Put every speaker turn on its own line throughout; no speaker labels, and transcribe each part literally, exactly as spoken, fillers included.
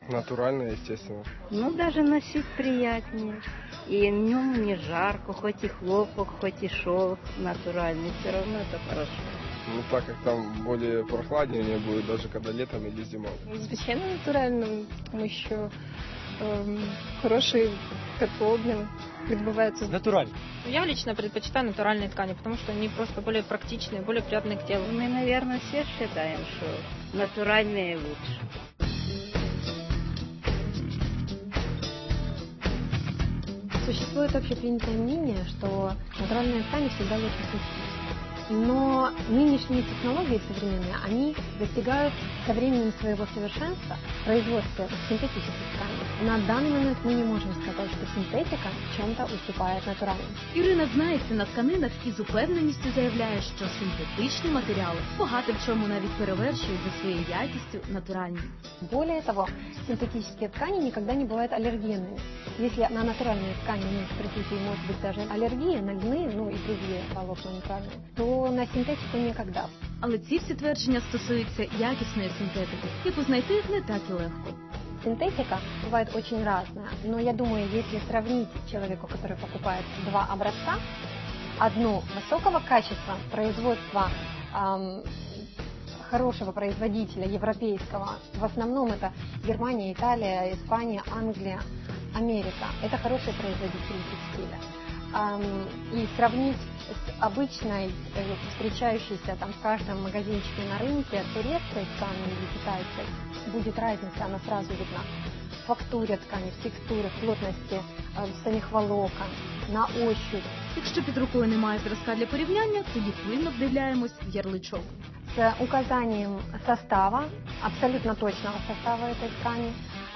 Натуральное, естественно.
Ну, даже носить приятнее. И в нем не жарко, хоть и хлопок, хоть и шелк натуральный, все равно это хорошо.
Ну, так как там более прохладнее будет, даже когда летом или зимой.
Звичайно, натурально, тому що ем, хороший теплообмен відбувається.
Натурально.
Я лично предпочитаю натуральные ткани, потому что они просто более практичные, более приятные к телу.
Мы, наверное, все считаем, что натуральные лучше.
Существует общепринятое мнение, что натуральные ткани всегда лучше синтетических. Но нынешние технологии современные, они достигают со временем своего совершенства в производстве синтетических тканей. На данный момент мы не можем сказать, что синтетика в чем-то уступает натуральным.
Ірина знається на тканинах і з упевненістю заявляє, що синтетичні матеріали багато в чому навіть перевершують за своєю якістю натуральні.
Более того, синтетические ткани никогда не бывают аллергенными. Если на натуральные ткани у них присутствует, может быть, даже аллергия на льны, ну и другие волокна натуральные, то на синтетику никогда.
Але ці всі твердження стосуються якісної синтетики, яку знайти не так і легко.
Синтетика бывает очень разная, но я думаю, если сравнить человеку, который покупает два образца, одну высокого качества производства, эм, хорошего производителя, европейского, в основном это Германия, Италия, Испания, Англия, Америка, это хорошие производители текстиля. Эм, и сравнить с обычной, э, встречающейся там в каждом магазинчике на рынке турецкой тканью или китайской, будет разница, она сразу видна. В фактуре ткани, в текстуре, в плотности э, самих волокон, на ощупь.
Якщо під рукою немає зразка для порівняння, тоді пильно вдивляємось в ярличок.
С указанием состава, абсолютно точного состава этой ткани,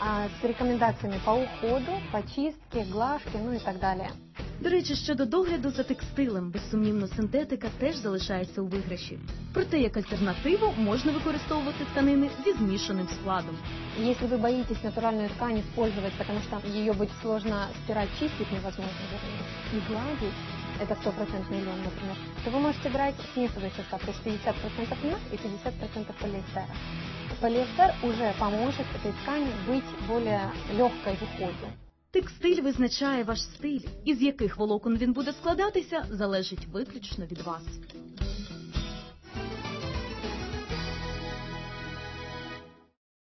с рекомендациями по уходу, по чистке, глажке, ну и так далее.
До речі, щодо догляду за текстилем, безсумнівно, синтетика теж залишається у виграші. Проте, як альтернативу, можна використовувати тканини зі змішаним складом.
Если вы боитесь натуральную ткань использовать, потому что ее будет сложно стирать, чистить невозможно, и гладить, это стопроцентный лен, например, то вы можете брать смесовый состав, то есть пятьдесят процентов льна и пятьдесят процентов полиэстера. Полиэстер уже поможет этой ткани быть более легкой в уходе.
Текстиль визначає ваш стиль, із яких волокон він буде складатися, залежить виключно від вас.